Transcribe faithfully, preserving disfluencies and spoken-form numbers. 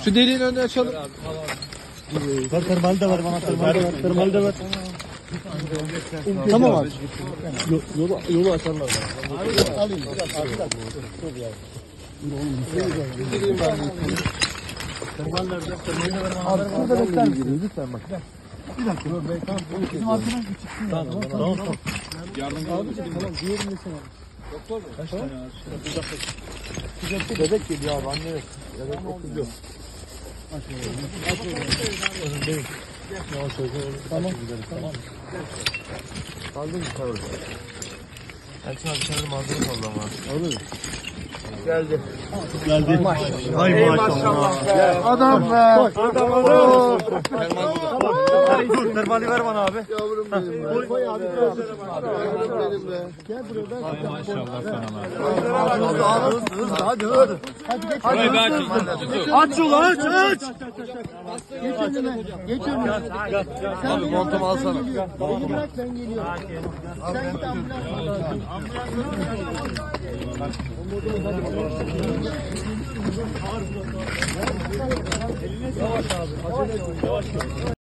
Şu deliğin önünü açalım. Ver termal de ver bana termal de ver. Termal de ver. Tamam abi. Yolu yolu açarlar. Abi alayım. Termal nerede? Termal de ver bana. Abi burada bekler misin? Lütfen bak. Bir dakika. Bizim arkadan çıksın. Tamam tamam. Yardımcı Abi tamam diğerini de sana. Doktor mu? Kaç tane var? Bebek geliyor abi anne yok. Bebek okuyor. Önündeyim. Yavaş yavaş. Tamam. Tamam. Kaldın mı kavur? Erkin abi içeride malzeme kaldı ama. Alır mı? Geldi. Geldi. Hay maşallah. Adam be. Adam adam. Dur termali ver bana abi. Yavrum benim be. Koy abi. Benim be. Gel buraya ben. Hay maşallah sana. Hadi hadi. Hadi geç. Burayı belki Aç yolu aç aç. Geç önüme. Geç önüme. Abi montumu alsana. Beni bırak ben geliyorum. Sen git ambulans.